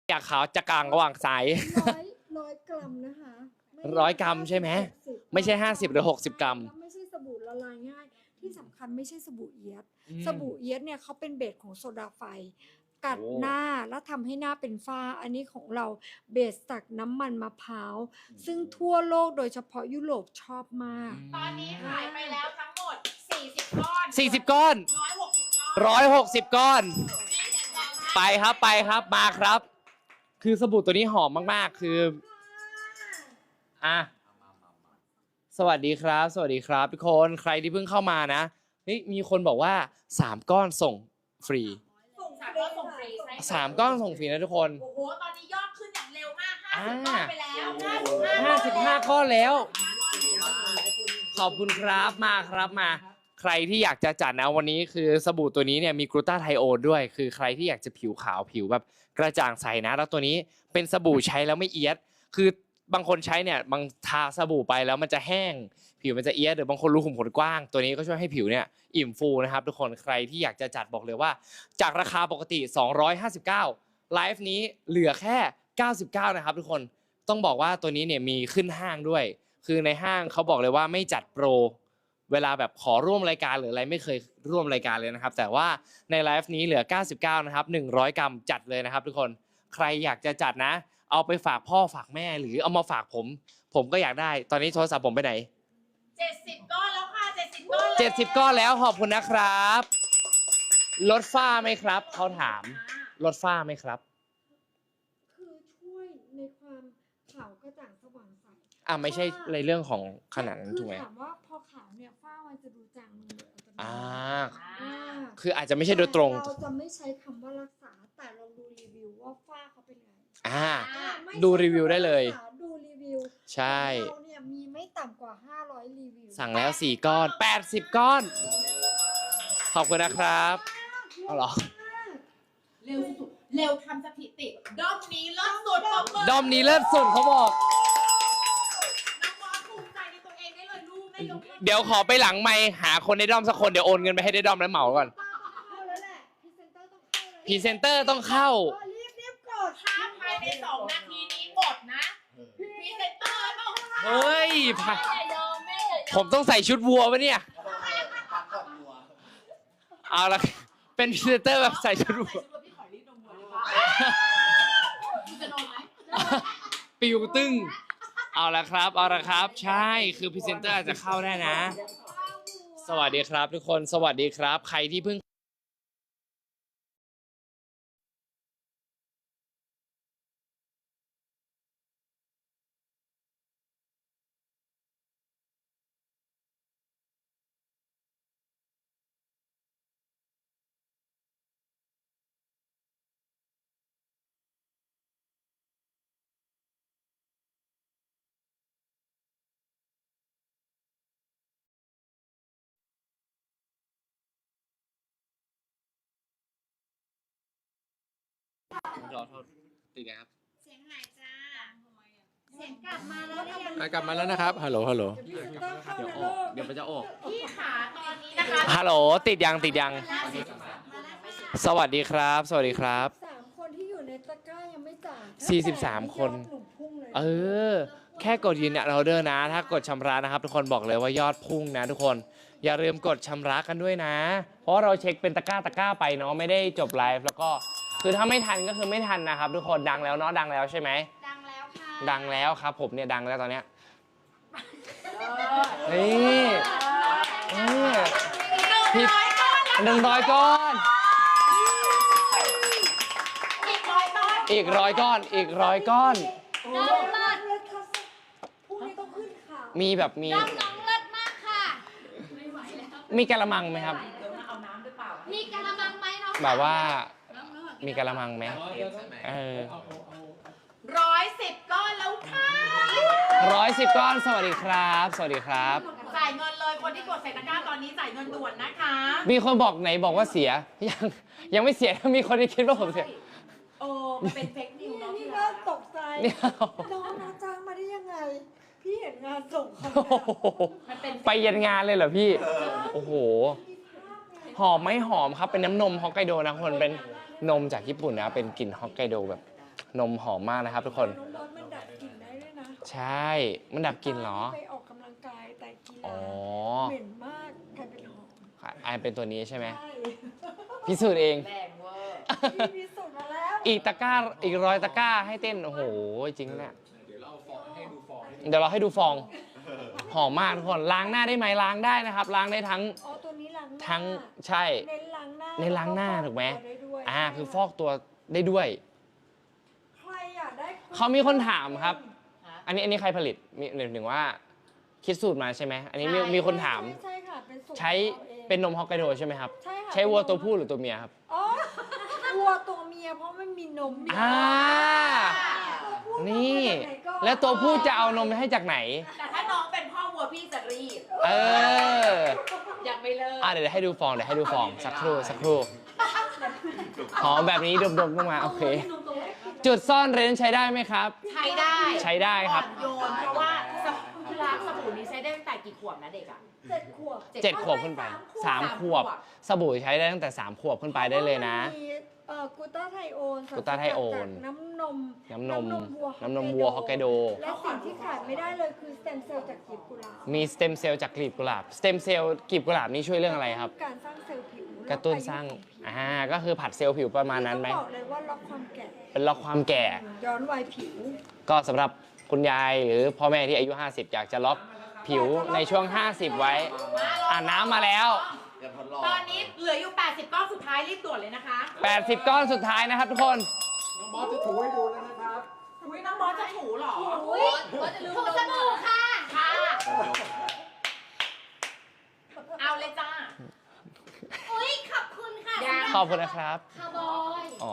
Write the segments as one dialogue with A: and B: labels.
A: อยากขาวจะกลางระหว่างสาย
B: ร้อยกรัมนะคะ
A: 100 กรัมใช่ไหมไม่ใช่50 หรือ 60 กรัม
B: ไม่ใช่สบู่ละลายง่ายที่สำคัญไม่ใช่สบู่เอี๊ยดสบู่เอี๊ยดเนี่ยเขาเป็นเบสของโซดาไฟกัดหน้าแล้วทำให้หน้าเป็นฝ้าอันนี้ของเราเบสจากน้ำมันมะพร้าวซึ่งทั่วโลกโดยเฉพาะยุโรปชอบมาก
C: ตอนนี้ขายไปแล้วทั้งหมด40 ก้อน
A: 40 ก้อน160 ก้อนไปครับมาครับ คือสบู่ตัวนี้หอมมากๆคือสวัสดีครับทุกคนใครที่เพิ่งเข้ามานะมีคนบอกว่า3 ก้อนส่งฟรี
C: 3 ก้อนส่งฟรีใช่
A: 3 ก้อนส่งฟรีนะทุกคน
C: โอ้โหตอนนี้ยอดขึ้นอย่างเร็วมาก50 ก้อนไปแล้ว
A: 55 ก้อนแล้วขอบคุณครับมาใครที่อยากจะจัดนะวันนี้คือสบู่ตัวนี้เนี่ยมีกลูตาไทโอนด้วยคือใครที่อยากจะผิวขาวผิวแบบกระจ่างใสนะแล้วตัวนี้เป็นสบู่ใช้แล้วไม่เอียดคือบางคนใช้เนี่ยบางทาสบู่ไปแล้วมันจะแห้งผิวมันจะเอียดหรือบางคนรูขุมขนกว้างตัวนี้ก็ช่วยให้ผิวเนี่ยอิ่มฟูนะครับทุกคนใครที่อยากจะจัดบอกเลยว่าจากราคาปกติ259ไลฟ์นี้เหลือแค่99นะครับทุกคนต้องบอกว่าตัวนี้เนี่ยมีขึ้นห้างด้วยคือในห้างเขาบอกเลยว่าไม่จัดโปรเวลาแบบขอร่วมรายการหรืออะไรไม่เคยร่วมรายการเลยนะครับแต่ว่าในไลฟ์นี้เหลือ99นะครับ100 กรัมจัดเลยนะครับทุกคนใครอยากจะจัดนะเอาไปฝากพ่อฝากแม่หรือเอามาฝากผมก็อยากได้ตอนนี้โทรศัพท์ผมไปไหน
C: 70 ก้อนแล้วค่ะ70 ก้อน
A: 70 ก้อนแล้วขอบคุณนะครับลดฝ้าไหมครับเขาถามลดฝ้าไหมครับ
B: คือช่วยในความขาวกระจ่างสว่างใส
A: ไม่ใช่ในเรื่องของขนาดนั้นถูกไหม
B: ถามว่าพอขาวเนี่ยฝ้ามันจะดูจางลงเลย
A: คืออาจจะไม่ใช่โดยตรง
B: เราจะไม่ใช้คำว่ารักษาแต่ลองดูรีวิวว่าฝ้าเขาเป็นไง
A: ดูรีวิวได้เลย
B: ดูรีวิว
A: ใช่
B: เราเนี่ยมีไม่ต่ำกว่า500รีวิว
A: สั่งแล้ว4 ก้อน80 ก้อนขอบคุณนะครับเอาหรอ
C: เร็วสุดเร็วทำสถิติด้อมนี้เลิศสุด
A: ด้อมนี้เลิศสุดเขาบอก
C: ภูมิใจในตัวเองได้เลยลูกได้ยก
A: เดี๋ยวขอไปหลังไมค์หาคนในด้อมสักคนเดี๋ยวโอนเงินไปให้ได้ด้อมแล้วเหมาก่อนพรีเซนเตอร์ต้องเข้า
B: รีบกด
C: ถ้าภายใน2 นาทีนี้หมดนะพรีเซนเตอร์ต้องเข้า
A: เฮ้ยผมต้องใส่ชุดวัวปะเนี่ยเอาละเป็นพรีเซนเตอร์แบบใส่ชุดวัว
C: พี่ขอรีดนมวัวเลยจะนมไหม
A: ปิวตึ้งเอาละครับใช่คือพรีเซนเตอร์อาจจะเข้าได้นะสวัสดีครับทุกคนสวัสดีครับใครที่เพิ่งรอโทษติดนะครับ
C: เสียงหายจ้าเสียงกลับมาแล้ว
A: กลับมาแล้วนะครับฮัลโหลเดี๋ยวมันจะออก
C: พี่ขาตอนนี้นะคะ
A: ฮัลโหลติดยังสวัสดีครับ
B: 3 คนที่อยู่ในตะกร้ายังไม่จ่าย
A: 43 คนแค่กดยืนยันออเดอร์นะถ้ากดชำระนะครับทุกคนบอกเลยว่ายอดพุ่งนะทุกคนอย่าลืมกดชำระกันด้วยนะเพราะเราเช็คเป็นตะกร้าไปเนาะไม่ได้จบไลฟ์แล้วก็คือถ้าไม่ทันก็คือไม่ทันนะครับทุกคนดังแล้วเนาะดังแล้วใช่ไหม
C: ดังแล้วค่ะ
A: ดังแล้วครับผมเนี่ยดังแล้วตอนเนี้ยนี่100 ก้อนอีก100 ก้อนพรุ่งนี้
B: ต้องขึ้นข่าว
A: มีแบบมี
C: น้องเลิศมากค่ะ
A: มีกะละมังไหมครับ
C: มีกะละมังไหมน้อง
A: แบบว่ามีกะละมังไหม
C: 110 ก้อนแล้วค่ะ
A: 110 ก้อนสวัสดีครับ
C: จ่ายเงินเลยคนที่กดใส่ตะกร้าตอนนี้จ่ายเงินด่วนนะคะ
A: มีคนบอกไหนบอกว่าเสียยังไม่เสียมีคนที่คิดว่าผมเสีย
C: มันเป็นเฟกนิวเนาะ
B: นี่ก็ตกใจน้องนะจ้างมาได้ยังไงพี่เห็นงานส่งเขา
A: ไปยันงานเลยเหรอพี่โอ้โหหอมไหมหอมครับเป็นน้ำนมฮอกไกโดนะคนเป็นนมจากญี่ปุ่นนะเป็นกลิ่นฮอกไกโดแบบนมหอมมากนะครับทุกคน
B: น้องบอสมันดับกลิ่นได้ด้วยนะ
A: ใช่มันดับกลิ่นเหรอ
B: ไปออกกำลังกายแต่กี
A: อ๋
B: ฬา
A: อ
B: เหม็นมากกลายเป็นหอม
A: อันเป็นตัวนี้ใช่ไหม
B: ใช่
A: พิสูจน์เอง
C: แรงเวอร์
B: พี่พิสูจน์มาแล้ว
A: อีกตะกร้าอีก100 ตะกร้าให้เต้น โอ้โห จริงเนี่ยเดี๋ยวเราให้ดูฟอง หอมมากทุกคน ล้างหน้าได้ไหมล้างได้นะครับ ล้างได้ทั้ง
B: อ๋อตัวนี้ล้างหน้า
A: ทั้งใช่
B: เน้นล้างหน้า
A: เน้นล้างหน้า
B: แล้ว
A: ถูกไหม
B: ฟอกตัวได้ด้วย
A: คือฟอกตัวได้ด้วย
B: ใครอยากได้
A: เขามีคนถามครับ อันนี้ใครผลิตมีหนึ่งว่า คิดสูตรมาใช่ไหม อันนี้มีคนถาม
B: ใช่ค่ะเป็นสูตร
A: ใช้
B: ของราอง
A: เป็นนมฮอกไกโดใช่ไหมครับ
B: ใช่ค่ะ
A: ใช้วัวตัวผู้หรือตัวเมียครับ
B: อ๋อวัวตัวเมียเพราะมันมีนม ตัวผู้
A: นี่
B: เอามาจากไหนก่อน
A: แล้วตัวผู้จะเอานมให้จากไหน
C: แต่ถ้าน้องเป็นพ่อวัวพี่จะรีบ
A: เออ
C: ยังไม่เลิก
A: เดี๋ยวให้ดูฟองสักครู่หอมแบบนี้ดมๆต้องมาโอเค จุดซ่อนเร้นใช้ได้ไหมครับ
C: ใช้ได้
A: ใช้ได้ครับ
C: อ่อนโยนเพราะว่าล้างสบู่นี้ใช้ได้ตั้งแต่กี่ขวบนะเด็กอ่ะ
B: 7 ขวบ
A: 7 ขวบขึ้นไป 3 ขวบ สบู่ใช้ได้ตั้งแต่ 3 ขวบขึ้นไปได้เลยนะ
B: พราว่ามันมีกูต้าไทโอน
A: กูต้าไทโอน
B: จากน้ำนม
A: น้ำนมวัวฮอกไกโด
B: และสิ่งที่ขาดไม่ได้เลยคือสเต็มเซลล์จากกลีบกุหลาบ
A: มีสเต็มเซลล์จากกลีบกุหลาบ สเต็มเซลล์กลีบกุหลาบนี่ช่วยเรื่องอะไรครับ
B: การสร้างเซลล์ผิว
A: กระตุ้นสร้าง ก็คือผัดเซลล์ผิวประมาณนั้นไหม
B: ต้องบอกเลยว่าล็อกความแก่
A: เป็นล็อกความแก่
B: ย้อนวัยผิว
A: ก็สำหรับคุณยายหรือพ่อแม่ที่อายุ 50 อยากจะล็อกผิวในช่วง 50 ไว้น้ำมาแล้ว
C: ตอนนี้เหลืออยู่ 80 ก้อนสุดท้ายรีบด่วนเลยนะคะ
A: 80 ก้อนสุดท้ายนะครับทุกคน
D: น้องบอสจะถูให้ดูแล้วนะครับ
C: อุ้ยน้องบอสจะถูเหรอ
E: อุ้ยถูสบู่ค่ะ
C: ค่ะ เอาเลยจ้า
E: อุ้ยขอบคุณค่ะ
C: ยัง
A: ขอบคุณนะครับ
E: คาร์บอย
A: อ๋อ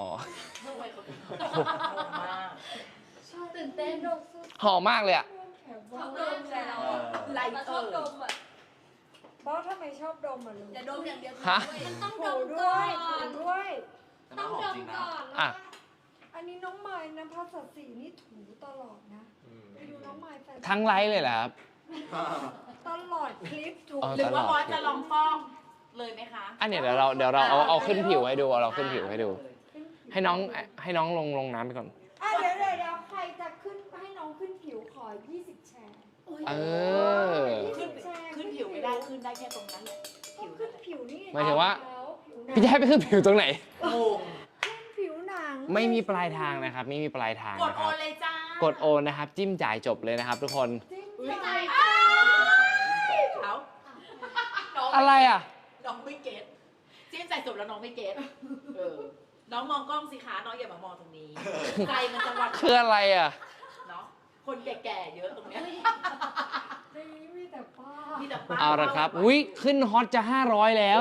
E: ตื่นเต้น
A: หอมมากเลยอ่ะ
E: ชอบดมแล้ว
C: ไล
E: มา
C: เต
E: ช
C: อ
E: อบ
C: ร์
E: ดมอ่ะ
B: บอสทำไมชอบดมอ่ะลูก
E: อย่าดมอย่างเดียว
A: ฮะ
E: มันต้องด
B: ถู
E: ม
B: ด้
E: ก่
B: ว
E: อย
B: ถู
E: น
B: ด้วย
E: ต้องดมก่อน
A: อ่ะ
B: อันนี้น้องไม้นะภาษาสีนี่ถูตลอดนะไปดูน้องไม้แฟน
A: ทั้งไลฟ์เลยเหรอครับ
B: ตลอดคลิปถู
A: อ๋อ
C: หรือว่าบอสจะลองฟอกเลยไหมคะ
A: อันเนี้ยเดี๋ยวเราเอาขึ้นผิวให้ดูเราขึ้นผิวให้ดู ให้น้องลงน้ำไปก่อน
B: เดี๋ยวใครจะขึ้นให้น้องขึ้นผิวขอ20 แชร์
A: เออ
B: 20แชร์
C: ขึ้นผิวไม่ได้ขึ้นได้แค่ตรงนั้นแหละ
B: ต้องขึ้นผิวนี่
A: หมายถึงว่า
B: ผิวหนัง
A: พี่จะให้ไปขึ้นผิวตรงไหน
C: โอ้
B: ขึ้นผิวหนัง
A: ไม่มีปลายทางนะครับ ไม่มีปลายทาง
C: กด
A: นะค
C: โอ
A: รับ
C: นเลยจ้าก
A: ดโอนนะครับ จิ้มจ่ายจบเลยนะครับ ทุกคน
B: จิ้ม
C: อุ๊ย
B: ใจ
C: เขา
A: อะไรอ่ะ
C: น้องไม่เก็ตจิ้มใส่จบแล้วน้องไม่เก็ตน้องมองกล้องสิคะน้องอย่ามามองตรงนี้ใจมันจะวัด
A: คืออะไรอ่ะ
C: เนาะคนแก่ๆเยอะตรงเนี้ย
B: นี่มีแต่ป้า
C: มีแต่ป้า
A: เอาละครับอุ้ยขึ้นฮอตจะ 500 แล้ว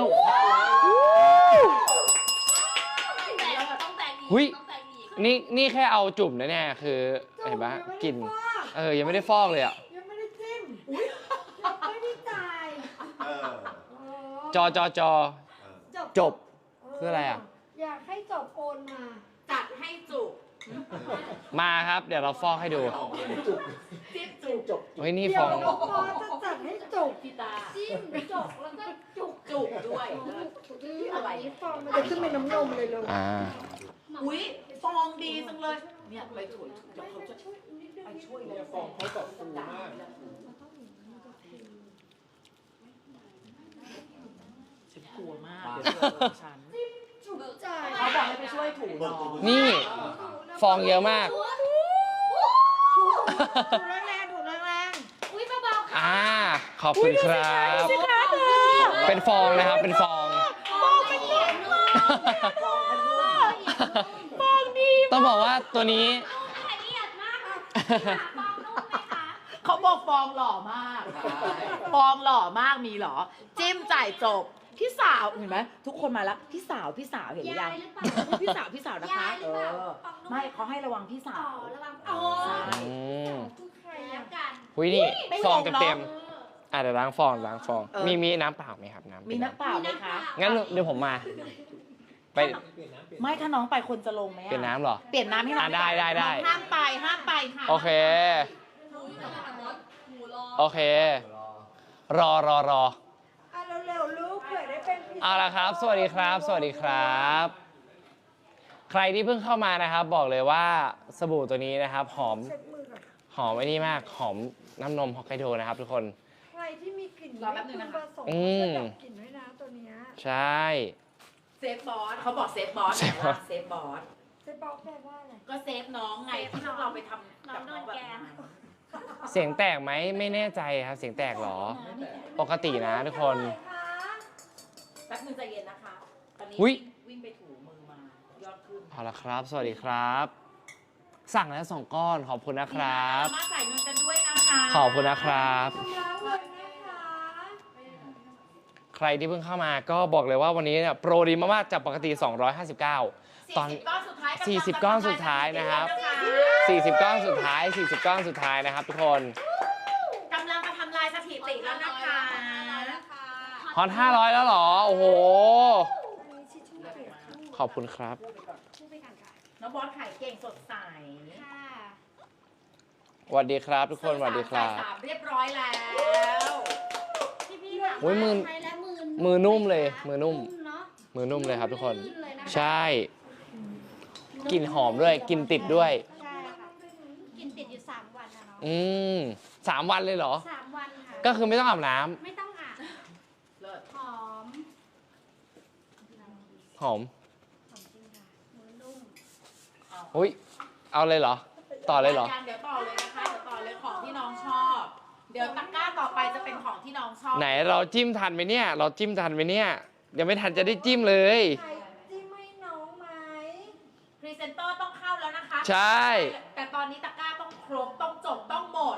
E: ต้องแต่งอีก
A: อุ๊ย
E: ต้องแต่งอีก
A: นี่แค่เอาจุ่มนะเนี่ยคือเห็นปะกลิ่นยังไม่ได้ฟอกเลยอ่ะ
B: ยังไม่ได้จิ้มยังไม่ได้จ่าย
A: จอ จบ
B: เ
A: คืออะไรอ่ะ
B: อยากให้จบโอนมา
C: จัดให้จุก
A: มาครับ เดี๋ยวเราฟอกให้ดู
C: จิ้มจุก
A: เฮ้ยนี่
B: เดี๋
A: ฟ
B: ย
A: อ
B: ว
A: ง
B: น้องปอจะจัดให้จบ
C: พี่ตา
E: จิ้มจกแล้วก็จุก
C: จุกด้วย
B: อะไรฟองมันจะขึ้นเป็นน้ำนมเลยเลย
C: อุ้ยฟองดีจังเลย เนี่ยไปช่วยเดี๋ยวเขาจะ
B: ช่วยนิดนึง
C: ไปช่วยเล
D: เนี่ย ยฟองเขาแบบฟูมาก
C: ฉันกลัวมากเดี๋ยวเจอฉัน
B: จุกใจ
C: เขาบอกให้ไปช่วยถูน้อง
A: นี่ฟองเยอะมาก
B: ถูแรงๆถูแรง
E: อุ้ยเบาๆค่ะ
A: ขอบคุณครับ เป็นฟองนะครับ เป็นฟอง ต้องบอกว่าตัวนี้
E: ละเอียดมากค่ะฟองนุ่มไหมคะ
C: เขาบอกฟองหล่อมาก ฟองหล่อมากมีเหรอ จิ้มจ่ายจบ พี่สาวเห็นไหมทุกคนมาแล้วพี่สาวเห็นหรือยัง
E: ยายหรือเปล่า
C: พี่สาวนะคะ
E: ยายหรือเปล่าฟองนุ่ม
C: ไม่เขาให้ระวังพี่สา
E: อ๋อ
C: ว
E: ระวังอ๋อ
C: ใช่
B: คือใคร
E: แล้
B: อ่ะ
E: วกัน
A: หุยนี่
C: ไม่
A: ฟอง
C: งงเนอะ
A: เต็มๆเดี๋ยวล้างฟอง
C: เออ
A: มีน้ำเปล่าไหมครับน้ำ
C: มีน้ำเปล่าไหมคะ
A: งั้นเดี๋ยวผมมา ไป
C: ไม่ถ้าน้องไปคนจะลงไหมอะ
A: เปลี่ยนน้ำเหรอ
C: เปลี่ยนน้ำให้น้อง
A: ได้
C: น้องห้ามไปค่ะ
A: โอเค
E: หมูรอ
A: โอเค รอ
B: อ่ะเร็วๆลูกเผื่อได้เป็นพรีเซนเตอร์
A: เอาละครับ สวัสดีครับ สวัสดีครับใครที่เพิ่งเข้ามานะครับ บอกเลยว่าสบู่ตัวนี้นะครับ หอม
B: เช็ดมือก่อน
A: หอมไอ้นี่มาก หอมน้ำนมฮอกไกโดนะครับทุกคน
B: ใครที่มีกลิ่น
C: รอแป๊บนึงนะคะ
B: ผสม
A: อืม
B: จะดับกลิ่นด้วยนะตัวเนี้ย
A: ใช่
C: เซฟบอสเขาบอกเซฟบอส
A: เซฟบอส
C: เซฟบอส
B: เซฟบอกแปลว่าอะไร
C: ก็เซฟน้องไงที่พวกเราไปทำกับน้องแบบนั้น
A: เสียงแตกไหมไม่แน่ใจครับ เสียงแตกเหรอ ปกตินะทุกคน
C: แป๊บนึงใจเย็นนะคะ ตอนนี้
A: อุ๊ย
C: วิ่งไปถูมือมายอดขึ้น
A: เอาละครับ สวัสดีครับ สั่งแล้ว2 ก้อนขอบคุณนะครับ
C: มาจ่ายเงินกันด้วยนะคะ
A: ขอบคุณนะครับ
B: ชำระเงินนะคะ
A: ใครที่เพิ่งเข้ามาก็บอกเลยว่าวันนี้เนี่ยโปรดีมากๆจากปกติ 259 ตอน
C: 40 ก้อนสุดท้าย
A: 40 ก้อนสุดท้ายนะครับ 40 ก้อนสุดท้าย 40 ก้อนสุดท้ายนะครับทุกคน
C: กำลังจะทำลายสถิติแล้วนะคะ
A: ฮอต500 แล้วเหรอ โอ้โห
B: อันนี้ชิชชู่เปียกข้าง
A: ขอบคุณครับ
E: ชื่อไปกันค่ะ
C: น้องบอสขายเก่งสดใส
E: ค่ะ
A: สวัสดีครับทุกคนสวัสดีครับ
C: จ่าย3เรียบร้อยแล้ว
E: พี่ถาม
A: โอ้ยมือ
E: ใช้แล้วมือ
A: มือนุ่มเลยมือนุ่ม
E: เนาะ
A: มือนุ่มเลยครับทุกคน
E: ลื่เลยนะคะ
A: ใช่กลิ่นหอมด้วยกลิ่นติดด้วย
E: ใช่ค่ะกินติดอยู่3 วันนะเนาะ
A: อืม3 วันเลยเหรอ
E: 3 วันค่ะ
A: ก็คือไม่ต้องอาบน้ำ
E: ไม่ต้องอาบ
C: เลิศ
E: หอม
A: หอม
E: หอมจริงค่ะมือนุ่ม
A: อุ้ยเอาเลยเหรอ ต่อเลยเหรอ
C: เดี๋ยวต่อเลยนะคะ เดี๋ยวต่อเลยของที่น้องชอบ เดี๋ยวตะกร้าต่อไปจะเป็นของที่น้องชอบ
A: ไหนเราจิ้มทันไหมเนี่ย เราจิ้มทันไหมเนี่ยยังไม่ทันจะได้จิ้มเลย
B: ใครจิ้มให้น้องไหม
C: พรีเซนเตอร์ต้องเข้าแล้วนะคะ
A: ใช่
C: แต่ตอนนี้ตะกร้าต้องครบ ต้องจบ ต้องหมด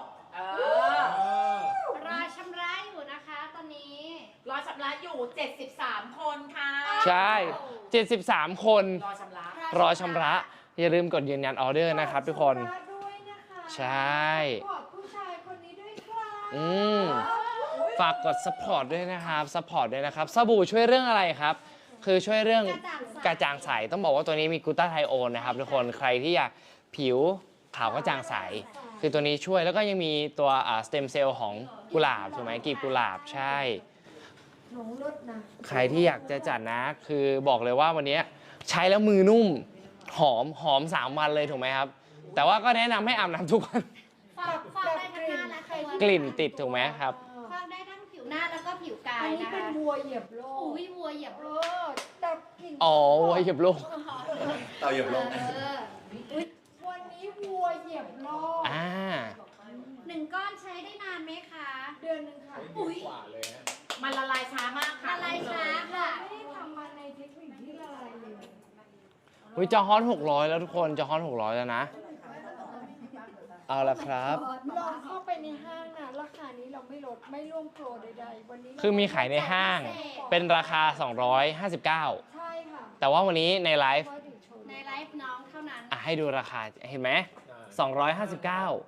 E: รอชำระอยู่นะคะตอนนี้
C: รอชำระอยู่ 73 คนค่ะ
A: ใช่ 73 คน
C: รอชำระ
A: รอชำระ อย่าลืมกดยืนยันออเดอร์นะครับทุกคน
B: ขอบณด้วยนะคะ
A: ใช่
B: ขอบผู้ชายคนนี้ด้วยค่ะ
A: อืมฝากกด support ด้วยนะครับ support ด้วยนะครับ สบู่ช่วยเรื่องอะไรครับ คือช่วยเรื่องกระจ่างใส ต้องบอกว่าตัวนี้มีกลูตาไทโอนนะครับทุกคน ใครที่อยากผิวขาวกระจ่างใส คือตัวนี้ช่วย แล้วก็ยังมีตัวสเต็มเซลล์ของกุหลาบถูกไหมกลีบกุหลาบ ใช่
B: น้องรถนะ
A: ใครที่อยากจะจัดนะ คือบอกเลยว่าวันนี้ใช้แล้วมือนุ่ม หอม 3 วันเลยถูกไหมครับ แต่ว่าก็แนะนำให้อาบน้ำทุกวัน
E: ฟอกได้ทั้งหน้าและตัว
A: กลิ่นติดถูกไหมครับ
E: ฟอกได้ทั้งผิวหน้าแล้วก็ผิวกา
B: อั
E: ย
B: นนี้
E: นะ
B: เป็น
E: คะ
B: วัวเหยียบโลก
E: อุ้ยวัวเหยียบ
B: เอ
E: โลก
B: อแต่กลิ่น
A: อ๋อวัวเหยียบโลก
F: เต่าเหยียบลง
B: วันนี้วัวเหยียบโลก
A: อ่า
E: 1 ก้อนใช้ได้นานไหมคะ
B: เดือนหนึ่งค่ะ
E: อุ้ย
D: กว่าเลยฮะ
C: มันละลายช้ามากค่ะ
E: อะไรช้าค่ะ
B: ไม่ได้ทำมาในเทคนิคที่ละลายเลย
A: อุ้ยจะฮอต600 แล้วทุกคนจะฮอต600 แล้วนะ เอาละครับ
B: ลองเข้าไปในห้างนะราคานี้เราไม่ลดไม่ร่วมโปรใดๆวันนี้เรา
A: คือมีขายในห้าง เป็นราคา 259
B: ใช่ค่ะ
A: แต่ว่าวันนี้ในไลฟ์
B: ว่าถึงโชว์
E: ในไลฟ์น้องเท่านั้น
A: ให้ดูราคา เห็นไหม 259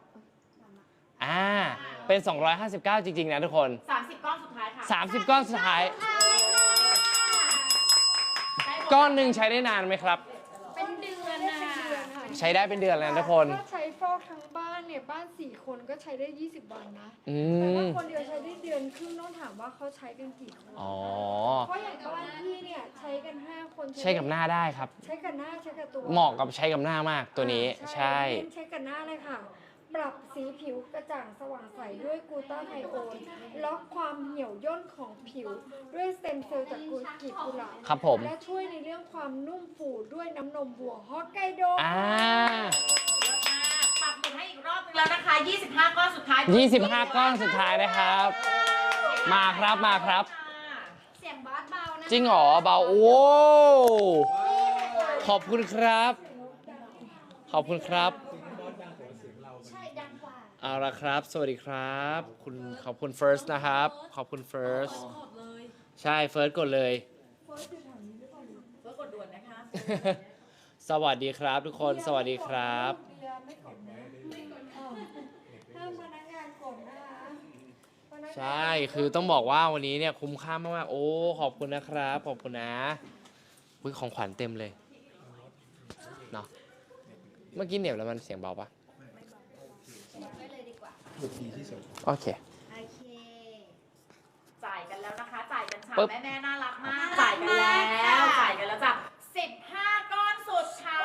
A: เป็น 259 จริงๆนะทุกคน
C: 30 ก้อนสุดท้ายค่ะ
A: 30 ก้อนสุดท้าย ก้อนหนึ่งใช้ได้นานไหมครับ
E: เป็นเดือน
B: ได้
E: นะ
B: เป็นเดือนค่ะ
A: ใช้ได้เป็นเดือนแล้วนะทุกคน
B: ถ้าใช้ฟอกทั้งบ้านเนี่ยบ้าน4 คนก็ใช้ได้20 วันนะ
A: อื
B: แต่ถ้าม คนเดียวใช้ได้เดือนครึ่งต้องถามว่าเขาใช้กันกี่คน
A: อ๋อ
B: เพราะอย่างบ้านพี่เนี่ยใช้กัน5 คน
A: ใช้กับหน้าได้ครับ
B: ใช้กับหน้าใช้กับตัว
A: เหมาะกับใช้กับหน้ามากตัวนี้ ใช่
B: เน้นใช้กับหน้าเลยค่ะ ปรับสีผิวกระจ่างสว่างใสด้วยกลูตาไทโอนล็อกความเหี่ยวย่นของผิว ด้วยสเต็มเซลล์จากกลีบกุหลาบ
A: ครับผม
B: และช่วยในเรื่องความนุ่มฟูด้วยน้ำนมวัวฮอกไกโด
A: อ่า
C: ปรับหมุนให้อีกรอบนึงแล้วนะคะ 25 ก้อนสุดท้าย
A: 25 ก้อนสุดท้ายนะครับ มาครับมาครับ
E: เสียงบอสเบานะ
A: จริงเหรอเบาโอ้ขอบคุณครับ ขอบคุณครับ
E: ใช่ดังกว่า
A: เอาละครับ สวัสดีครับ ขอบคุณ First นะครับ ขอบคุณ First ใช่ First กดเลย
C: เพื่อกดด่วนนะคะ
A: สวัสดีครับทุกคน สวัสดีครับ
B: เบียร์ไม่กดนะห้ามพนักงานกดนะคะพนักงาน
A: ใช่ คือต้องบอกว่าวันนี้เนี่ยคุ้มค่ามากๆ โอ้ ขอบคุณนะครับ ขอบคุณนะอุ๊ยของขวัญเต็มเลย เนาะ เมื่อกี้เหน็บแล้วมันเสียงเบาปะ
E: ไว้เลยดีกว่า
A: โอเค
E: โอเค
C: จ่ายกันแล้วนะคะ จ่ายกัน
A: ปึ๊บ
C: ฉ่ำแม่ๆน่ารักมาก
E: น่ารั
C: จ่าย
E: ก
C: กัน
E: มาก
C: แล้ว
E: ค่ะ
C: จ่ายกันแล้วจ้ะ15 ก้อนสุดท้า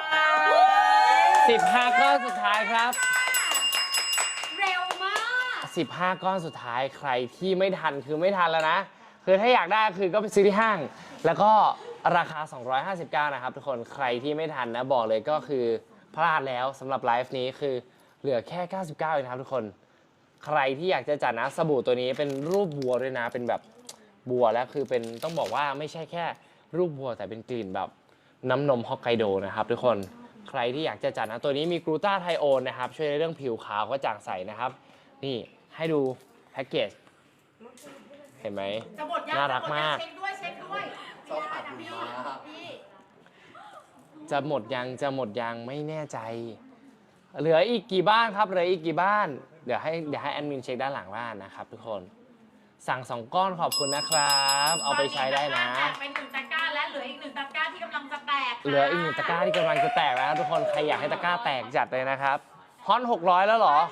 A: 15 ก้อนสุดท้ายครับ
E: เร็วมาก
A: 15 ก้อนสุดท้ายใครที่ไม่ทันคือไม่ทันแล้วนะ คือถ้าอยากได้คือก็ไปซื้อที่ห้าง แล้วก็ราคา 259 นะครับทุกคนใครที่ไม่ทันนะบอกเลยก็คือพลาดแล้วสำหรับไลฟ์นี้คือเหลือแค่ 99 เองนะครับทุกคน ใครที่อยากจะจัดนะสบู่ตัวนี้เป็นรูปบัวด้วยนะเป็นแบบบัวแล้วคือเป็นต้องบอกว่าไม่ใช่แค่รูปบัวแต่เป็นกลิ่นแบบน้ำนมฮอกไกโดนะครับทุกคนใครที่อยากจะจัดนะตัวนี้มีกลูตาไทโอนนะครับช่วยในเรื่องผิวขาวกระจ่างใสนะครับนี่ให้ดูแพ็กเกจเห็นไหม
C: จะหมดยัง
A: น่ารักมาก
C: เช็คด้วยเช็คด้วย
D: ชอบผัดหิมะ
C: พี่
A: จะหมดยังไม่แน่ใจ เหลืออีกกี่บ้านครับเหลืออีกกี่บ้านเดี๋ยวให้แอดมินเช็คด้านหลังบ้านนะครับทุกคนสั่ง2 ก้อนขอบคุณนะครับเอาไปใช้ได้นะ
C: แจกไป1 ตะกร้าและเหลืออีก1 ตะกร้าที่กำลังจะแตกค่ะ
A: เหลืออีก1 ตะกร้าที่กำลังจะแตกแล้วทุกคนใครอยากให้ตะกร้าแตกจัดเลยนะครับฮอน600แล้วเหรอ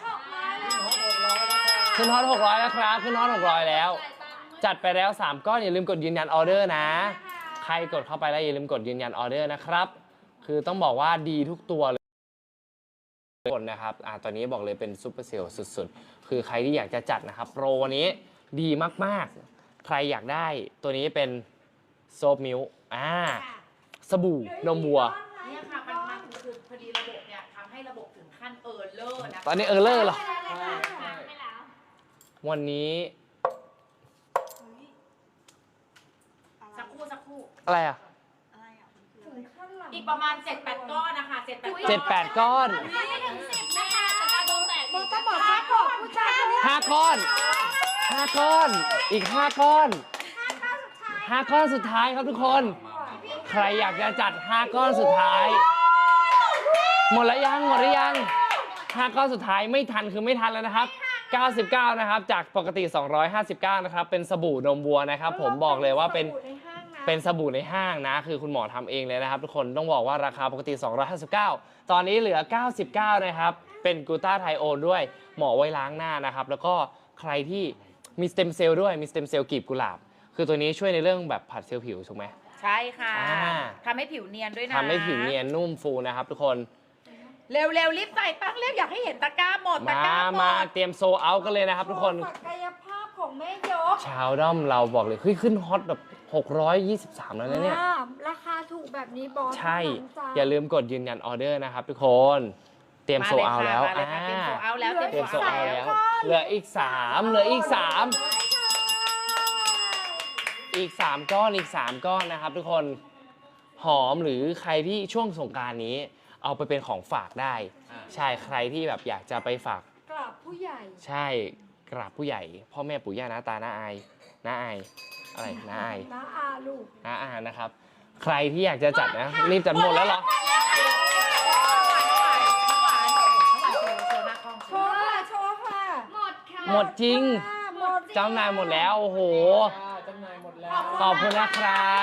A: ขึ้นฮอน600แล้วครับขึ้นฮอน600แล้วจัดไปแล้ว3 ก้อนอย่าลืมกดยืนยันออเดอร์นะใครกดเข้าไปแล้วอย่าลืมกดยืนยันออเดอร์นะครับคือต้องบอกว่าดีทุกตัวเลยคนนะครับตอนนี้บอกเลยเป็นซุปเปอร์เซลล์สุดๆคือใครที่อยากจะจัดนะครับโปรวันนี้ดีมากๆใครอยากได้ตัวนี้เป็นโซฟมิลค์สบู่นมวัว
C: เนี่ยค่ะมันคือพอดีระบบเนี่ยทำให้ระบบถึงขั้นเออร์เลอร์นะคะ
A: ตอนนี้เออร์เลอร์เหรอ
E: ไปแล้ว
A: วันนี้
C: สักครู่
A: อะไรอ่ะ
C: อีกประมาณ 7-8 ก้อนนะคะ7-8
A: ก้อน
E: ไม่ถึง10นะคะแต่กระดูกแตก
B: มันก็บอกว่าขอบผู้ชายคนนี้
A: 5 ก้อน 5 ก้อน อีก 5 ก้อน 5 ก้อนสุดท้ายครับทุกคน ใครอยากจะจัด 5 ก้อนสุดท้าย หมดแล้วยังหมดหรือยัง 5 ก้อนสุดท้ายไม่ทันคือไม่ทันแล้วนะครับ 99 นะครับ จากปกติ 259 นะครับ เป็นสบู่นมวัวนะครับ ผมบอกเลยว่าเป็นสบู่ในห้างนะ คือคุณหมอทำเองเลยนะครับ ทุกคนต้องบอกว่าราคาปกติ 259 ตอนนี้เหลือ 99 นะครับ เป็นกลูตาไทโอนด้วยเหมาะไว้ล้างหน้านะครับ แล้วก็ใครที่มีสเต็มเซลล์ด้วยมีสเต็มเซลล์กลีบกุหลาบ คือตัวนี้ช่วยในเรื่องแบบผัดเซลล์ผิวถูกไหม
C: ใช่ค่ะ
A: อ่า
C: ทำให้ผิวเนียนด้วยนะ
A: ทำให้ผิวเนียนนุ่มฟูนะครับทุกคน
C: เร็วๆรีบใส่ตั้งเร็วอยากให้เห็นตะกร้าหมดตะกร้าหม
A: มา
C: ด
A: เตรียมโซลเอาท์กันเลยนะครับทุกคน
B: ศักยภาพของแม่ยก
A: ชาวด้อมเราบอกเลยเฮ้ยขึ้นฮอตแบบ 623 แล้วนะเนี่ย
B: ราคาถูกแบบนี้บอส
A: ใช่
B: เท่นั้นจ้ะ
A: อย่าลืมกดยืนยันออเดอร์นะครับทุกคน เตรียมโซลเอาท์แล้ว
C: มาเลยค่ะเตรียมโซลเอาท์แล้ว
A: เตรียมโซลเอาท์แล้ว
B: ก้อน
A: เหลืออีก 3 เหลืออีก 3 อีก 3 ก้อนอีก 3 ก้อนนะครับทุกคนหอมหรือใครที่ช่วงสงกรานต์นี้ เอาไปเป็นของฝากได้ ใช่ใครที่แบบอยากจะไปฝาก
B: กราบผู้ใหญ่
A: ใช่กราบผู้ใหญ่ พ่อแม่ปู่ย่าน้าตาน้าอายน้าอายอะไรน้าอาย
B: น้าอาลูก
A: น้าอานะครับ ใครที่อยากจะจัดนะรีบจัดหมดแล้วเหรอ
B: โชว์ค่ะ โชว์ค่ะ
E: หมดค่ะ
A: หมดจริง
B: หมด
A: จำหน่ายหมดแล้วโอ้โห
D: จำหน่ายหมดแล้ว
A: ขอบคุณนะครับ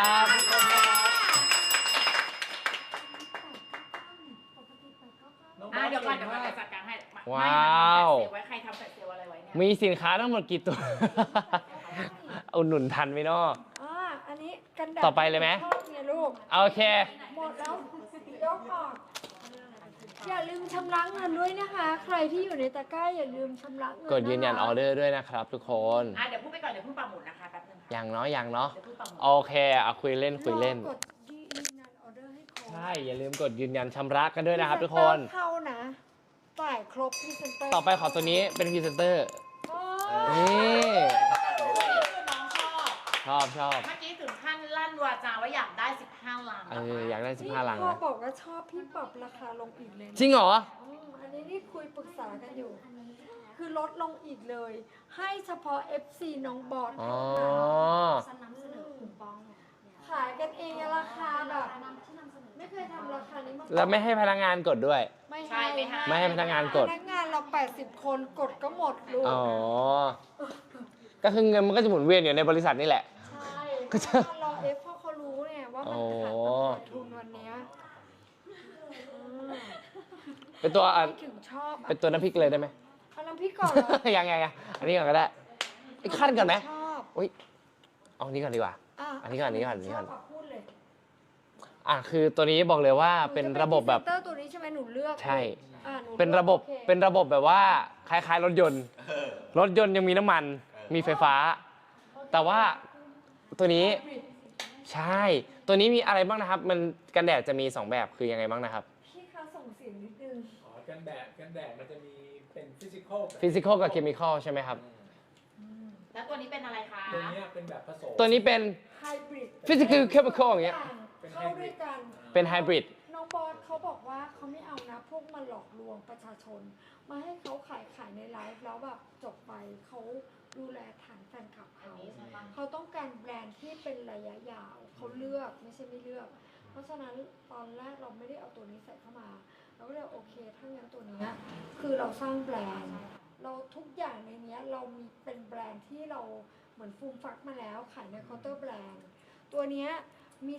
C: เดี๋ยวก่อนเดี๋ยวมาจัดการให้
A: ว้าว
C: ไว้ใครทำแฟลชเซลอะไรไว้เนี่ย
A: มีสินค้าทั้งหมดกี่ตัว อุดหนุนทันไหมเนาะ
B: อันนี้กันดาษ
A: ต่อไปเลยไหม
B: ชอบเนี่ยลูก
A: โอเค
B: หมดแล้วยกออกอย่าลืมชำระเงินด้วยนะคะ ใครที่อยู่ในตะกร้าอย่าลืมชำระเงิน
A: กดยืนยันออเดอร์ด้วยนะครับทุกคน
C: เดี๋ยวพูดไปก่อนเดี๋ยวพูดปักหมุดนะคะแป๊บนึงค่ะ
A: ยังเนาะยังเนาะ
C: เดี๋ยวพูดปักหมุด
A: โอเคเอาคุยเล่นคุยเล่น
B: รอกดยืนยันออเดอร์ให้ครบ
A: ใช่ อย่าลืมกดยืนยันชำระกันด้วยนะครับทุกคน
B: เข้านะจ่ายครบพรีเซนเตอร์
A: ต่อไปขอตัวนี้เป็นพรีเซนเตอร์
B: โอ้
A: นี่
C: น้องชอบ
A: ชอบ
C: เมื่อกี้ถึงขั้นลั่นวาจาว่าอยากได้ 15 ล้าน
A: อยากได้
B: นี่
A: 15 ลัง
B: พ่อ
A: นะ
B: บอกว่าชอบพี่ปรับราคาลงอีกเลยนะ
A: จริงเหรอ
B: อันนี้นี่คุยปรึกษากันอยู่ คือลดลงอีกเลย ให้เฉพาะ FC น้องบอส
A: อ๋อ
B: เท่านั้น
E: ฉันนำเสนอคูปอง
B: ขายกันเองราคาแบบ ไม่เคยทำราคานี้มาก่อน
A: แล้วไม่ให้พนักงานกดด้วย
B: ไม่
C: ใช่
B: ให้
C: ไม่ให้
A: ไม่ให้พนักงานกด
B: พนักงานเรา 80 คนกดก็หมดลูก
A: อ๋อ ก็คือเงินมันก็จะหมุนเวียนอยู่ในบริษัทนี่แหละ
B: ใช่
A: ก็จะ
B: รอเอฟเพราะเขารู้เนี่ยว่ามันขาดทุนวันเนี้ย
A: เป็นตัว
B: ไม่ถึงชอบ
A: เป็นตัวน้ำพริกเลยได้ไหม
B: เอาน้ำพริกก่อนเหรอ
A: ยังอันนี้ก่อนก็ได้ขั้นก่อนไหม
B: ชอบ
A: อุ้ยเอาอันนี้ก่อนดีกว่า
B: ะ
A: อันนี้ก่อน
B: ชบพูดเลย
A: คือตัวนี้บอกเลยว่าเป็นระบบแบบ
B: หนูจะเป็นพรีเซนเตอร์ตัวนี้ใช่ไหมหนูเลือก
A: ใช่
B: หนูลือก
A: เป็นระบบ
B: โอค
A: เป็นระบบแบบว่าคล้ายๆรถยนต์ รถยนต์ยังมีน้ำมัน มีไฟฟ้า แต่ว่าตัวนี้ใช่ ตัวนี้มีอะไรบ้างนะครับ มันกันแดดจะมี 2 แบบคือยังไงบ้างนะครับ
B: พี่คะส่งเสียงนิดนึง
D: อ๋อกันแดดมันจะมีเป็นฟิสิกอล
A: ฟิสิกอลกับเคมีคอลใช่ไหมครับ
C: แล้วตัวนี้เป็นอะไรคะ
D: ตัวเนี้ยเป็นแบบผสม
A: ตัวนี้เป็น
B: ไฮบริด
A: physical chemical อย่างเงี้ย
B: เข้าด้วยกัน
A: เป็นไฮบริด
B: น้องบอสเขาบอกว่าเขาไม่เอานะพวกมาหลอกลวงประชาชน มาให้เขาขายในไลฟ์แล้วแบบจบไปเขาดูแลฐานแฟนคลับ
C: อัน
B: เขา
C: นี้ใช่ปะ
B: เขาต้องการแบรนด์ที่เป็นระยะยาวเขาเลือกไม่ใช่ไม่เลือก เพราะฉะนั้นตอนแรกเราไม่ได้เอาตัวนี้ใส่เข้ามา เราก็เลยโอเคถ้างั้นตัวเนี้ยคือเราสร้างแบรนด์ เราทุกอย่างในเนี้ยเรามีเป็นแบรนด์ที่เราเหมือนฟูมฟักมาแล้วขายในเคาน์เตอร์แบรนด์ ตัวเนี้ย